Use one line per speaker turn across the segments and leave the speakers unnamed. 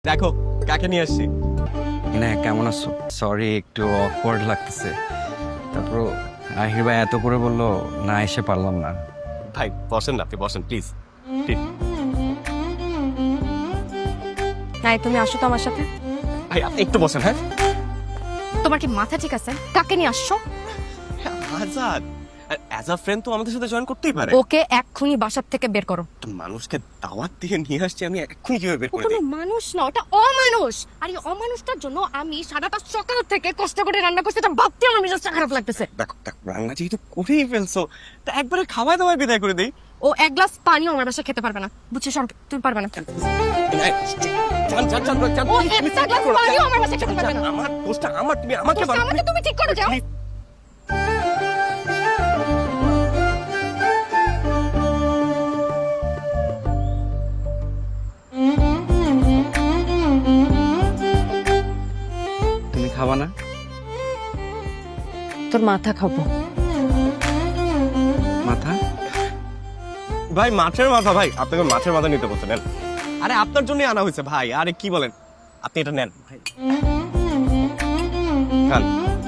দেখো কাকে নিয়ে আসছি।
না কেমন আছো? সরি একটু অকওয়ার্ড লাগতেছে। তারপর আহির ভাই এত করে বললো, না এসে পারলাম না।
ভাই বসেন না, আপনি বসেন প্লিজ।
নাই তুমি আসো তো আমার সাথে।
ভাই আপনি একটু বসেন। হ্যাঁ
তোমার কি মাথা ঠিক আছে? কাকে নিয়ে আসছো?
আজাদ অ্যাজ আ ফ্রেন্ড তো আমাদের সাথে জয়েন করতেই পারে।
ওকে এক্ষুনি বাসার থেকে বের করো।
একটা মানুষকে দাওয়াত দিয়ে নিয়ে আসছি, আমি এক্ষুনি কিভাবে বের করে
কোনো
দিই?
মানুষ না, ওটা অমানুষ। আর এই অমানুষটার জন্য আমি সারাটা সকাল থেকে কষ্ট করে রান্না করছি, এটা ভাবতে আমার মেজাজটা খারাপ লাগতেছে।
দেখো দেখো, রান্না যেহেতু করেই ফেলছো, তা একবারে খাওয়াই দাওয়াই বিদায় করে দিই।
ও এক গ্লাস পানিও আমার বাসায় খেতে পারবে না, বুঝছিস? তুমি পারবে না। ও একটা গ্লাস পানিও আমার বাসায় খেতে পারবে না।
আমার দোষটা আমার, তুমি আমাকে
দোষটা আমাকে তুমি ঠিক করে যাও।
তুমি খাবা না?
তোর মাথা খাবো।
মাথা?
ভাই মাছের মাথা, ভাই আপনাকে মাছের মাথা নিতে বলতে নেন। আরে আপনার জন্যই আনা হয়েছে ভাই, আরে কি বলেন, আপনি এটা নেন ভাই। খান।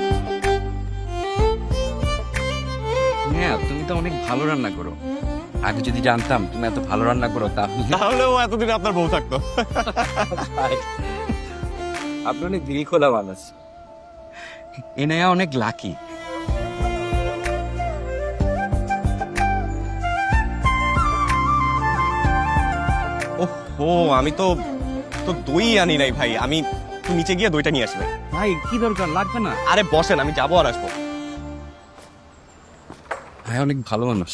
হ্যাঁ তুমি তো অনেক ভালো রান্না করো। আগে যদি জানতাম তুমি এত ভালো রান্না করো তাহলে
তাহলেও এতদিন আপনার বউ থাকতো।
আপনি অনেক দিল খোলা মানুষ। এনায়া অনেক লাকি।
ও আমি তো তো দই আনি নাই ভাই, আমি নিচে গিয়ে দইটা নিয়ে আসবে।
ভাই কি দরকার, লাগবে না।
আরে বসেন, আমি যাবো আর আসবো।
ভাই অনেক ভালো মানুষ,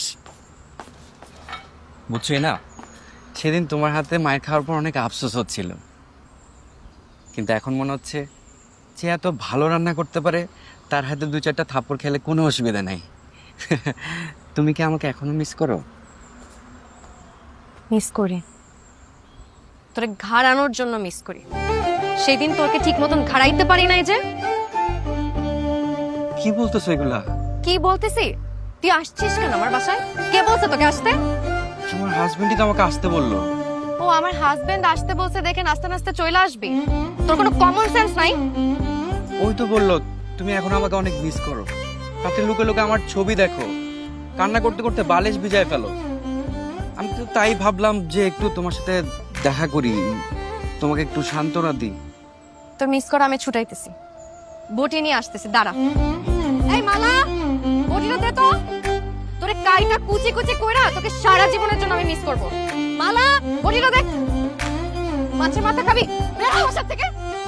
বুঝছো না? সেদিন তোমার হাতে মায়ের খাওয়ার পর অনেক আফসোস হচ্ছিল, কিন্তু এখন মনে হচ্ছে যে এত ভালো রান্না করতে পারে তার হাতে দু চারটা থাপ্পড় খেলে কোনো অসুবিধা নাই। তুমি কি আমাকে এখনো মিস করো?
মিস করি, তোরে ঘাড়ানোর জন্য মিস করি। সেদিন তোকে ঠিক মতন ঘাড়াইতে পারি নাই যে।
কি বলতেছো এগুলা?
কি বলতেছি? তুই আসছিস কেন আমার বাসায়? কে বলছে তোকে আসতে?
তোমার হাজবেন্ডই তো আমাকে আসতে বললো।
ও আমার হাজবেন্ড আসতে বলছে দেখে নাস্তে নাস্তে চলে আসবি? তোর কোনো কমন সেন্স নাই?
ওই তো বললো তুমি এখন আমাকে অনেক মিস করো, রাতে লুকে লুকে আমার ছবি দেখো, কান্না করতে করতে বালিশ ভিজায় ফেলো। আমি তো তাই ভাবলাম যে একটু তোমার সাথে দেখা করি, তোমাকে একটু সান্ত্বনা দিই।
তোর মিস করা আমি ছুটাইতেছি, বটি নিয়ে আসতেছি, দাঁড়া। এই মালা, বটিটা দে তো। তোরে কাইটা কুচি কুচি কইরা তোকে সারা জীবনের জন্য আমি মিস করব। মালা, বটিটা দেখ। মাছের মাথা খাবি? বের হ বাসা থেকে।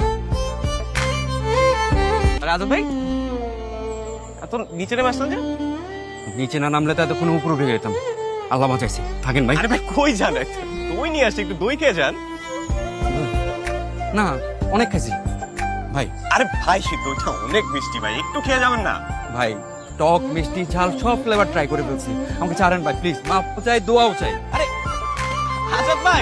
রাজু ভাই এত নিচে নেমে আসলেন যে?
নিচে না নামলে তো এতক্ষণ উপরে উঠে যেতাম। আল্লাহ বাঁচাইছি, থাকেন ভাই।
আরে ভাই কই যান, দই নিয়ে আসছি, একটু দই খেয়ে যান।
না অনেক খাইছি ভাই।
আরে ভাই সে দইটা অনেক মিষ্টি ভাই, একটু খেয়ে যাবেন না?
ভাই টক মিষ্টি ঝাল সব ফ্লেভার ট্রাই করে ফেলছি, আমাকে ছাড়েন ভাই প্লিজ। মাফ চাই, দোয়াও চাই।
আরে আজাদ ভাই,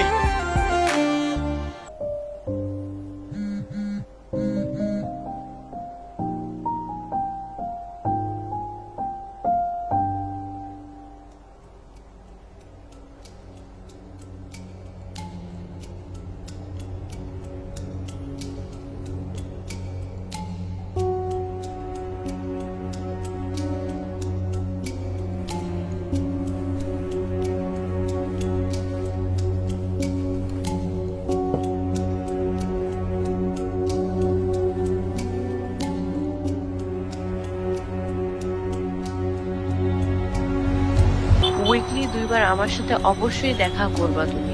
উইকলি 2 বার আমার সাথে অবশ্যই দেখা করবা তুমি।